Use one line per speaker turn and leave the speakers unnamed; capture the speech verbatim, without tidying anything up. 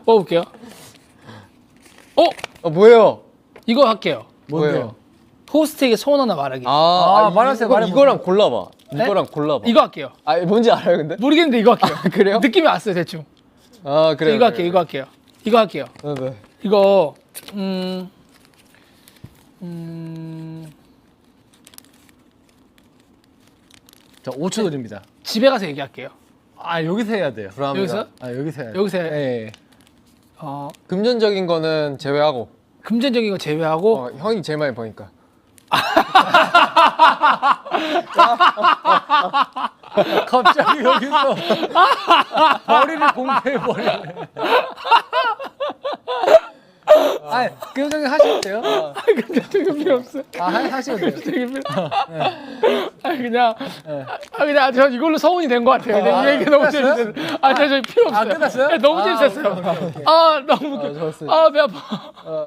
뽑아볼게요. 어?
어 뭐예요?
이거 할게요.
뭔데요?
호스트에게 소원 하나 말하기.
아,
아,
아
말하세요,
이거,
말해보세요.
이거랑 골라봐.
네?
이거랑 골라봐.
이거 할게요.
아 뭔지 알아요 근데?
모르겠는데 이거 할게요.
그래요?
느낌이 왔어요 대충.
아 그래요.
이거 할게요. 이거 할게요. 이거 할게요.
네, 네.
이거 음... 음...
자, 오 초 드립니다.
집에 가서 얘기할게요.
아, 여기서 해야 돼요.
불합니다.
여기서?
아, 여기서 해야 돼요.
여기서 해.
예. 예.
어,
금전적인 거는 제외하고.
금전적인 거 제외하고
어, 형이 제일 많이 버니까.
갑자기 여기서 머리를 공개해버리네. 아, 금전적인 하시면 돼요.
금전적인 필요 없어요.
아, 하- 하시면 돼요.
금전적인 필요. 아 그냥 아 그냥 저 이걸로 서운이 된 것 같아요. 근데 이 얘기 너무 재밌어요. 아 저 필요 없어요.
아, 끝났어요?
네, 너무
아,
재밌었어요.
오케이, 오케이, 오케이.
아 너무
아, 좋았어요.
아 배 아파.